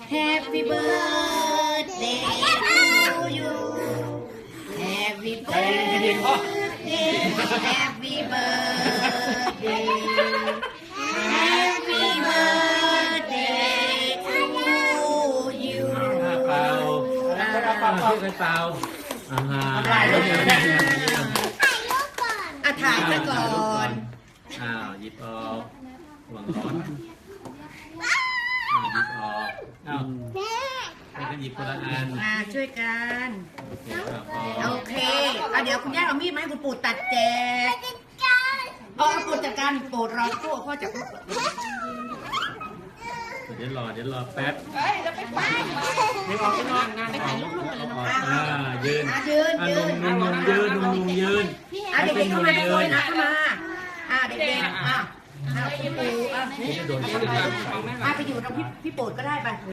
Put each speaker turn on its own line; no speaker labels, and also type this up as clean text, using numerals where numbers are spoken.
Happy birthday to you Happy birthday Happy birthday Happy birthday to you
เปล่าช่วยกันเปล่าถ่ายรูปก่อน
ถ่ายซะก่อน
หยิบออกหวังร้อนหยิบออกให้กันหยิบคนละอัน
ช่วยกัน
โอ
โอ
เค
เคเดี๋ยวคุณย่าเอามีดมาให้คุณปู่ตัดแจกเอาปู่จัดการปู่รอพ่อจับลูก
เดี๋ยวรอแป๊บ
ไม่ออกไปนอนงานไปถ่ายรูปกันเลยนะคะ
ยืน
ยืน
หนุ่มยืน
เด็กๆเข้ามาทุกคนนะเข้ามาเด็กๆพี่ปู่ไปอยู่ตรงพี่โปรดก็ได้ไป